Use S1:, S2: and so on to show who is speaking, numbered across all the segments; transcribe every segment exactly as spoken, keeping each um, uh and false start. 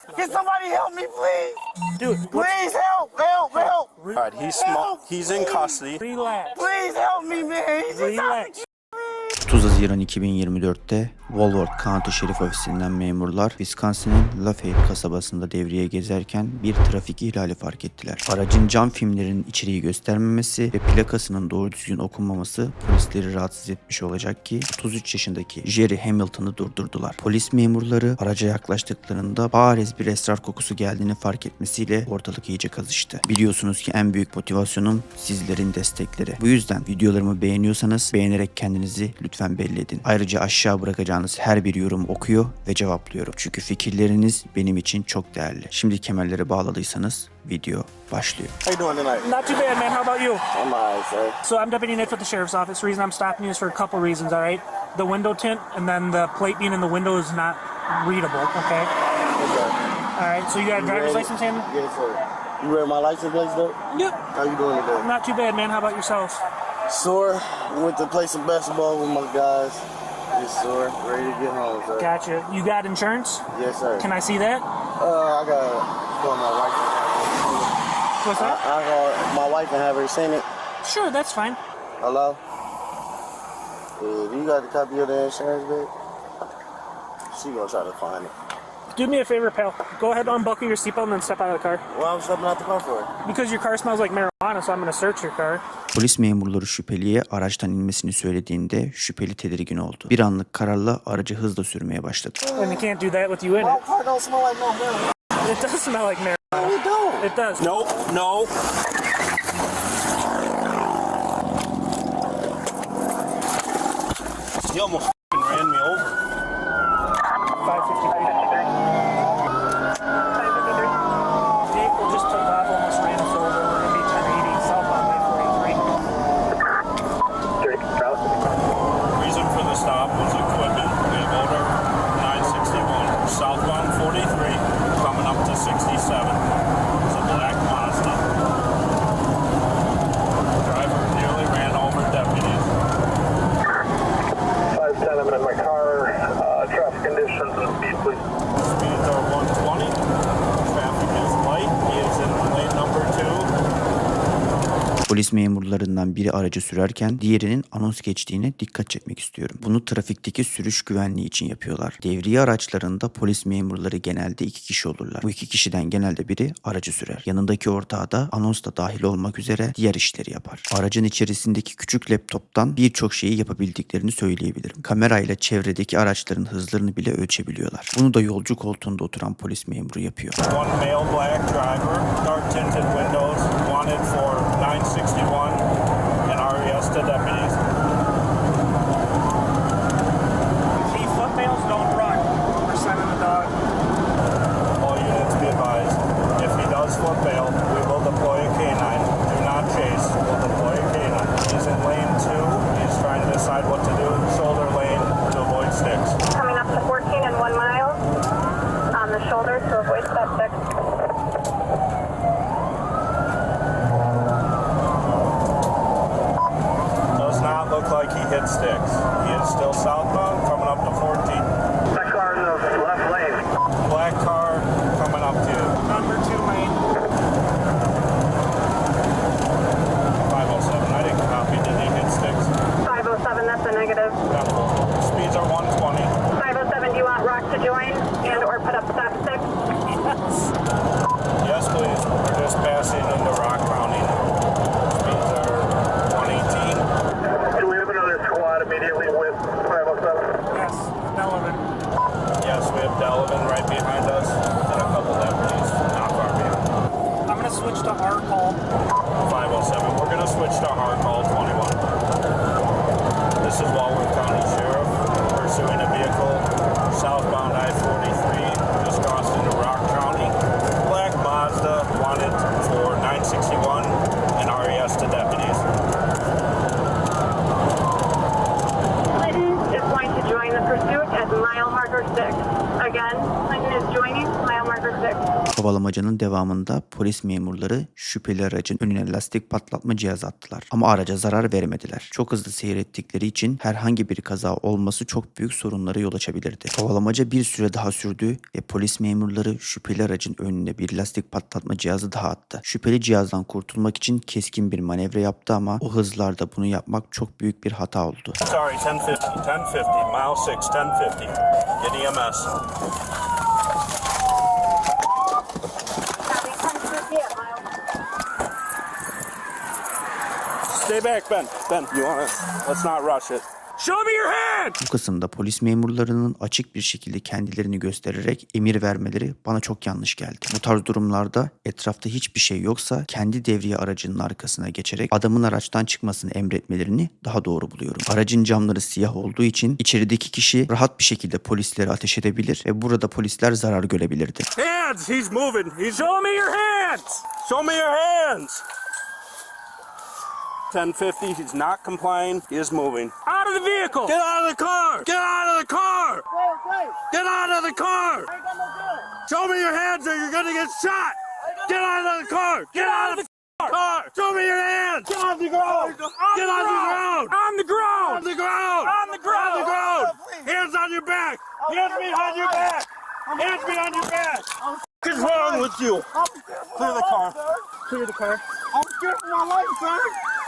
S1: Can somebody help me, please?
S2: Dude,
S1: Please help, help, help.
S3: All right, he's small. He's in custody.
S2: Relax.
S1: Please help me, man. He's just out
S2: Relax.
S1: to
S4: otuz Haziran iki bin yirmi dörtte Walworth County Şerif Ofisi'nden memurlar Wisconsin'in Lafayette kasabasında devriye gezerken bir trafik ihlali fark ettiler. Aracın cam filmlerinin içeriği göstermemesi ve plakasının doğru düzgün okunmaması polisleri rahatsız etmiş olacak ki otuz üç yaşındaki Jerry Hamilton'ı durdurdular. Polis memurları araca yaklaştıklarında bariz bir esrar kokusu geldiğini fark etmesiyle ortalık iyice kızıştı. Biliyorsunuz ki en büyük motivasyonum sizlerin destekleri. Bu yüzden videolarımı beğeniyorsanız beğenerek kendinizi lütfen belli edin. Ayrıca aşağı bırakacağınız her bir yorum okuyor ve cevaplıyorum. Çünkü fikirleriniz benim için çok değerli. Şimdi kemerleri bağladıysanız video başlıyor.
S1: How you doing tonight?
S2: Not too bad, man. How about you?
S1: I'm alright, sir.
S2: So I'm Deputy Nick with the Sheriff's Office. The reason I'm stopping you is for a couple reasons, all right? The window tint and then the plate being in the window is not readable, okay?
S1: Okay.
S2: All right, so you got a driver's
S1: ready?
S2: license in?
S1: Yes, sir. You read my license plate, though?
S2: Yep.
S1: How you doing today?
S2: Not too bad, man. How about yourself?
S1: Sore. Went to play some basketball with my guys. Just sore. Ready to get home, sir.
S2: Gotcha. You got insurance?
S1: Yes, sir.
S2: Can I see that?
S1: Uh, I gotta call my wife.
S2: What's
S1: I,
S2: that?
S1: I call my wife and have her seen it.
S2: Sure, that's fine.
S1: Hello? Uh, do you got a copy of the insurance, babe? She gonna try to find it.
S2: Do me a favor, pal. Go ahead, unbuckle your seatbelt and then step out of the car.
S1: Why I'm stepping out the car for?
S2: Because your car smells like marijuana, so I'm gonna search your car.
S4: Polis memurları şüpheliye araçtan inmesini söylediğinde şüpheli tedirgin oldu. Bir anlık kararla aracı hızla sürmeye başladı.
S2: And they can't do that with you in
S1: My
S2: it.
S1: car don't smell like no marijuana.
S2: It does smell like marijuana.
S1: No, it don't.
S2: It does.
S3: No, no. You almost f***ing ran me over.
S2: five fifty-three. Vehicle just took off, almost ran us over. We're gonna be ten eighty southbound I forty-three.
S3: Reason for the stop was equipment. We have order nine sixty-one. Southbound forty-three, coming up to sixty-seven. It's a black Mazda. Driver nearly ran over deputies.
S5: five ten, I'm in my car. Uh, traffic conditions and speed, please.
S3: Speeds are one twenty. Traffic is light. He is in lane number two.
S4: Polis memurlarından biri aracı sürerken diğerinin anons geçtiğine dikkat çekmek istiyorum. Bunu trafikteki sürüş güvenliği için yapıyorlar. Devriye araçlarında polis memurları genelde iki kişi olurlar. Bu iki kişiden genelde biri aracı sürer. Yanındaki ortağı da anons da dahil olmak üzere diğer işleri yapar. Aracın içerisindeki küçük laptoptan birçok şeyi yapabildiklerini söyleyebilirim. Kamerayla çevredeki araçların hızlarını bile ölçebiliyorlar. Bunu da yolcu koltuğunda oturan polis memuru yapıyor.
S3: One male black driver, dark tinted windows, wanted for nine sixty-one and R E S to deputies.
S2: If foot males don't run, we're sending the dog.
S3: All units be advised. If he does foot bail, we will deploy a canine. Do not chase. We'll deploy a canine. He's in lane two. He's trying to decide what to do. Shoulder lane to avoid sticks.
S6: Coming up to fourteen and one mile on the shoulder to avoid stop six.
S3: Does not look like he hit sticks. He is still southbound, coming up to fourteen.
S5: That car in the left lane.
S3: Black car coming up to
S2: Number two lane.
S3: five oh seven. I didn't copy. Did he hit sticks?
S6: five oh seven, that's a negative.
S3: No. Speeds are one twenty.
S6: five oh seven, do you want Rock to join and or put up stop six?
S3: Yes, please. We're just passing into Rock County now. Speeds are one eighteen.
S5: Do we have another squad immediately with five oh seven?
S2: Yes, Delavan.
S3: Yes, we have Delavan right behind us and a couple deputies not far behind.
S2: I'm gonna switch to our call.
S3: five oh seven. We're going to switch to hard call twenty-one. This is Walworth County Sheriff pursuing a vehicle southbound I forty-three, just crossed into Rock County. Black Mazda wanted for nine sixty-one and R E S to deputies.
S6: Clinton is going to join the pursuit at mile marker six. Again, Clinton is joining mile marker six.
S4: Kovalamacanın devamında polis memurları şüpheli aracın önüne lastik patlatma cihazı attılar. Ama araca zarar veremediler. Çok hızlı seyrettikleri için herhangi bir kaza olması çok büyük sorunlara yol açabilirdi. Kovalamaca bir süre daha sürdü ve polis memurları şüpheli aracın önüne bir lastik patlatma cihazı daha attı. Şüpheli cihazdan kurtulmak için keskin bir manevra yaptı ama o hızlarda bunu yapmak çok büyük bir hata oldu.
S3: Sorry, ten fifty, ten fifty, mile six, ten fifty. Get E M S. Stay back, Ben. Ben, you wanna, let's not rush it.
S2: Show me your hand!
S4: Bu kısımda polis memurlarının açık bir şekilde kendilerini göstererek emir vermeleri bana çok yanlış geldi. Bu tarz durumlarda etrafta hiçbir şey yoksa kendi devriye aracının arkasına geçerek adamın araçtan çıkmasını emretmelerini daha doğru buluyorum. Aracın camları siyah olduğu için içerideki kişi rahat bir şekilde polislere ateş edebilir ve burada polisler zarar görebilirdi.
S3: Hands! He's moving. He's... Show me your hands! Show me your hands! ten fifty, he's not complying. He is moving.
S2: Out of the vehicle!
S3: Get out of the car! Get out of the car! Get out of the car! Show me your hands or you're gonna get shot! Get out of the car! Get out of the car! Show me your hands! Get on the ground! Get on the ground!
S2: On the ground!
S3: On the ground!
S2: On the ground!
S3: On the ground! Hands on your back! Hands behind your back! Hands behind your back! What is wrong with you? Clear the car.
S2: Clear the car.
S1: I'm scared for my life, sir.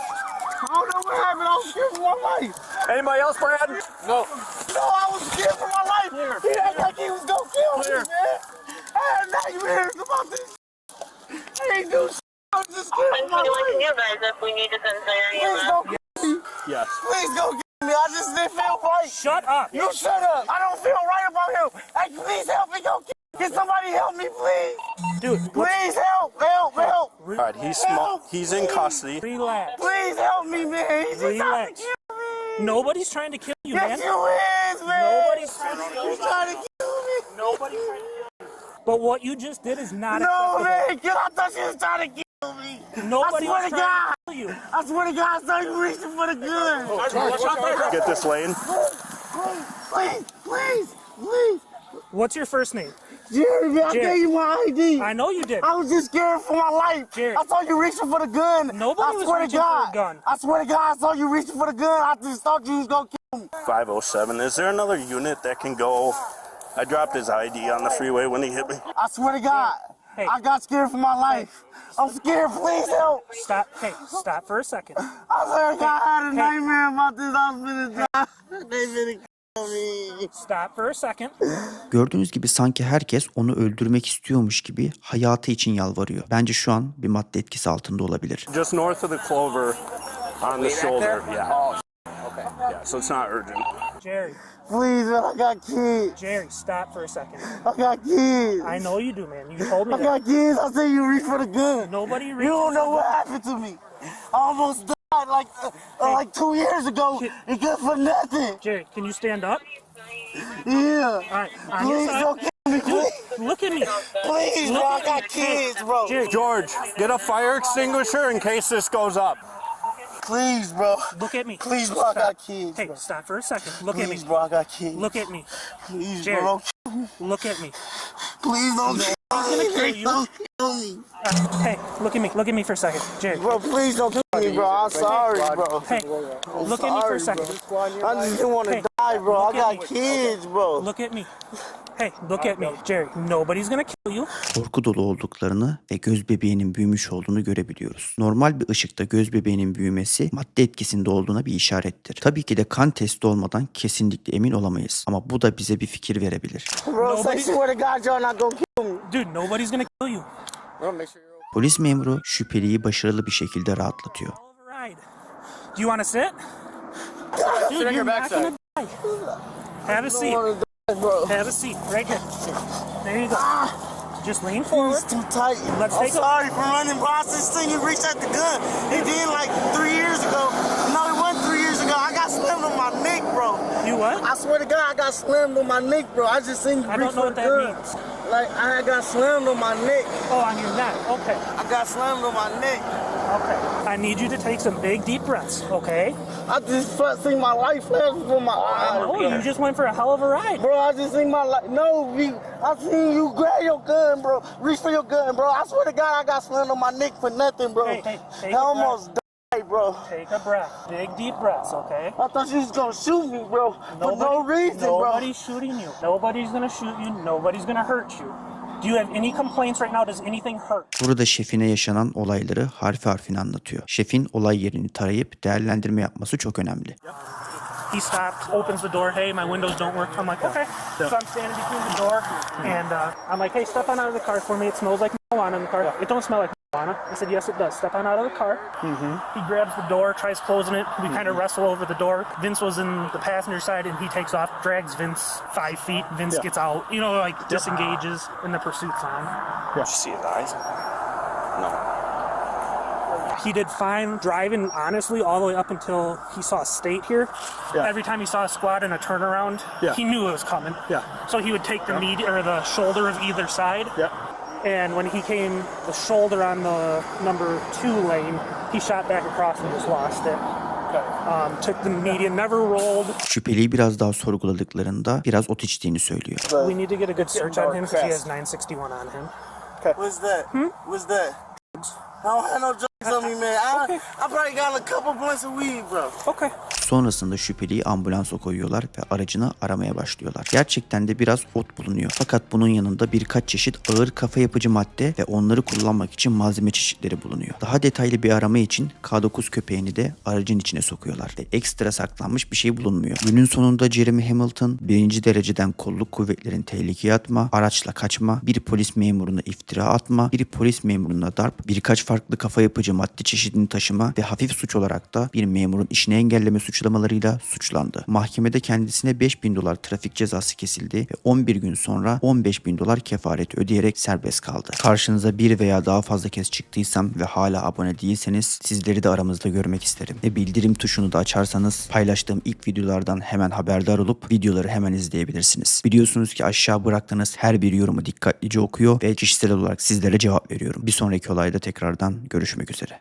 S1: I don't know what happened. I was scared for my life.
S3: Anybody else, Brad? No.
S1: No, I was scared for my life. He acted like he was gonna kill me, man. I had nightmares about this. I ain't do shit. I was just scared for my life.
S6: you guys if we need to send there.
S1: Please don't kill me.
S3: Yes.
S1: Please don't kill me. I just didn't feel right.
S2: Shut up!
S1: You shut up. I don't feel right about him. Hey, please help me. Go kill. Can somebody help me, please?
S2: Dude, what's...
S1: Please help, help, help.
S3: All right, he's small. He's in custody.
S2: Relax.
S1: Please help me, man. He's just trying to
S2: Relax.
S1: kill me.
S2: Nobody's trying to kill you, man.
S1: Yes, you is, man.
S2: Nobody's trying to kill
S1: He's
S2: you.
S1: trying to kill me.
S2: Nobody's trying to kill you. But what you just did is not
S1: No,
S2: acceptable.
S1: man. Cause I thought you was trying to kill me.
S2: Nobody
S1: I swear
S2: was
S1: to
S2: trying
S1: God.
S2: to kill you.
S1: I swear to God, I saw you reaching for the gun.
S3: Get this lane.
S1: Please, please, please, please.
S2: What's your first name?
S1: Jerry, man, I
S2: Jerry.
S1: gave you my I D.
S2: I know you did.
S1: I was just scared for my life.
S2: Jerry.
S1: I saw you reaching for the gun.
S2: Nobody
S1: I
S2: was
S1: swear
S2: reaching
S1: to
S2: for
S1: God.
S2: a gun.
S1: I swear to God, I saw you reaching for the gun. I just thought you was gonna kill me.
S3: five oh seven. Is there another unit that can go? I dropped his I D on the freeway when he hit me.
S1: I swear to God,
S2: Hey.
S1: I got scared for my life. I'm scared. Please help.
S2: Stop. Hey, stop for a second.
S1: I swear to God, I had a
S2: Hey.
S1: nightmare about this. I was gonna die. They finna kill me.
S2: Stop for a second.
S4: Gördüğünüz gibi sanki herkes onu öldürmek istiyormuş gibi hayatı için yalvarıyor. Bence şu an bir madde etkisi altında olabilir.
S3: Just north of the Clover on the shoulder. Yeah. Okay. Yeah, so it's not urgent.
S2: Jerry,
S1: Please, man, I got kids.
S2: Jerry, stop for a second.
S1: I got kids.
S2: I know you do, man. You told me
S1: I
S2: that.
S1: got kids. I said you reach for the gun.
S2: Nobody
S1: You
S2: reaches
S1: don't know
S2: for
S1: what
S2: the-
S1: happened to me. I almost died like uh, uh, like two years ago. It good for nothing.
S2: Jerry, can you stand up?
S1: Yeah.
S2: All right, on your
S1: Please
S2: side.
S1: don't kill me, please.
S2: Look at me.
S1: Please, bro. I got kids, bro.
S2: Jerry,
S3: George, get a fire extinguisher in case this goes up.
S1: Please, bro.
S2: look at me.
S1: Please, bro. I got kids.
S2: Hey,
S1: bro.
S2: stop for a second. Look at me.
S1: Please, bro. I got kids.
S2: Look at me.
S1: Please,
S2: Jerry.
S1: bro.
S2: Look at me.
S1: Please don't kill
S2: gonna
S1: me.
S2: kill
S1: Please
S2: you.
S1: don't kill me.
S2: Uh, hey, look at me. Look at me for a second. Jerry.
S1: Bro, please don't kill me, bro. I'm sorry, bro.
S2: Hey, look at me for a
S1: Sorry,
S2: second.
S1: I just didn't want to
S2: Hey,
S1: die, bro. I
S2: look at
S1: got
S2: me.
S1: kids, bro.
S2: Look at me. Hey, look at me. Jerry, nobody's gonna kill you.
S4: Korku dolu olduklarını ve göz bebeğinin büyümüş olduğunu görebiliyoruz. Normal bir ışıkta göz bebeğinin büyümesi madde etkisinde olduğuna bir işarettir. Tabii ki de kan testi olmadan kesinlikle emin olamayız ama bu da bize bir fikir verebilir.
S1: Bro, say swear to God, you're not gonna kill me.
S2: Dude, nobody's gonna kill you.
S1: Bro, make sure you're
S4: Polis memuru şüpheliyi başarılı bir şekilde rahatlatıyor.
S2: All right. Do you want to sit? Dude, you're not gonna die. Have a seat.
S1: okay, bro.
S2: Have a seat right here. There you go. Just lean forward.
S1: It's too tight.
S2: Let's
S1: I'm
S2: take a-
S1: sorry for running, bro. I just seen you reach at the gun. It did like three years ago. No, it wasn't three years ago. I got slammed on my neck, bro.
S2: You what?
S1: I swear to God, I got slammed on my neck, bro. I just seen you
S2: I
S1: reach
S2: don't know
S1: for
S2: what
S1: the
S2: that
S1: gun.
S2: means.
S1: Like, I got slammed on my neck.
S2: Oh, on your neck. Okay.
S1: I got slammed on my neck.
S2: Okay. I need you to take some big deep breaths, okay?
S1: I just felt- seen my life flash before my eyes.
S2: Oh, you just went for a hell of a ride.
S1: Bro, I just seen my life. No, we, I seen you grab your gun, bro. Reach for your gun, bro. I swear to God, I got slammed on my neck for nothing, bro.
S2: Hey, hey, take
S1: I
S2: a
S1: almost died, bro.
S2: Take a breath. Big deep breaths, okay?
S1: I thought you was gonna shoot me, bro. For no reason, bro.
S2: Nobody's shooting you. Nobody's gonna shoot you. Nobody's gonna hurt you. Do you have any complaints right now? Does anything hurt?
S4: Burada şefine yaşanan olayları harfi harfine anlatıyor. Şefin olay yerini tarayıp değerlendirme yapması çok önemli.
S2: He stopped, opens the door. Hey, my windows don't work. I'm like, okay. So I'm standing between the door, and uh, I'm like, hey, step on out of the car for me. It smells like marijuana in the car. It don't smell like marijuana. I said, yes, it does. Step on out of the car. Mm-hmm. He grabs the door, tries closing it. We kind of wrestle over the door. Vince was in the passenger side, and he takes off, drags Vince five feet. Vince
S7: Yeah.
S2: gets out, you know, like disengages, and the pursuit's on.
S7: Did you see his eyes? No.
S2: He did fine driving, honestly, all the way up until he saw a state here.
S7: Yeah.
S2: Every time he saw a squad in a turnaround,
S7: Yeah.
S2: he knew it was coming.
S7: Yeah.
S2: So he would take the med- or the shoulder of either side.
S7: Yeah.
S2: And when he came the shoulder on the number two lane, he shot back across and just lost it. Um, took the median, never rolled.
S4: Şüpheliyi biraz daha sorguladıklarında biraz ot içtiğini söylüyor.
S2: We need to get a good search on him because he has nine sixty-one on him.
S1: What's that? What's that? I don't have no drugs on me, man. I, I probably got a couple blunts of weed, bro.
S2: Okay.
S4: Sonrasında şüpheliyi ambulansa koyuyorlar ve aracını aramaya başlıyorlar. Gerçekten de biraz ot bulunuyor. Fakat bunun yanında birkaç çeşit ağır kafa yapıcı madde ve onları kullanmak için malzeme çeşitleri bulunuyor. Daha detaylı bir arama için K dokuz köpeğini de aracın içine sokuyorlar ve ekstra saklanmış bir şey bulunmuyor. Günün sonunda Jeremy Hamilton birinci dereceden kolluk kuvvetlerin tehlikeye atma, araçla kaçma, bir polis memuruna iftira atma, bir polis memuruna darp, birkaç farklı kafa yapıcı madde çeşidini taşıma ve hafif suç olarak da bir memurun işini engelleme suçlamalarıyla suçlandı. Mahkemede kendisine beş bin dolar trafik cezası kesildi ve on bir gün sonra on beş bin dolar kefaret ödeyerek serbest kaldı. Karşınıza bir veya daha fazla kez çıktıysam ve hala abone değilseniz sizleri de aramızda görmek isterim. Ve bildirim tuşunu da açarsanız paylaştığım ilk videolardan hemen haberdar olup videoları hemen izleyebilirsiniz. Biliyorsunuz ki aşağı bıraktığınız her bir yorumu dikkatlice okuyor ve kişisel olarak sizlere cevap veriyorum. Bir sonraki olayda tekrardan görüşmek üzere.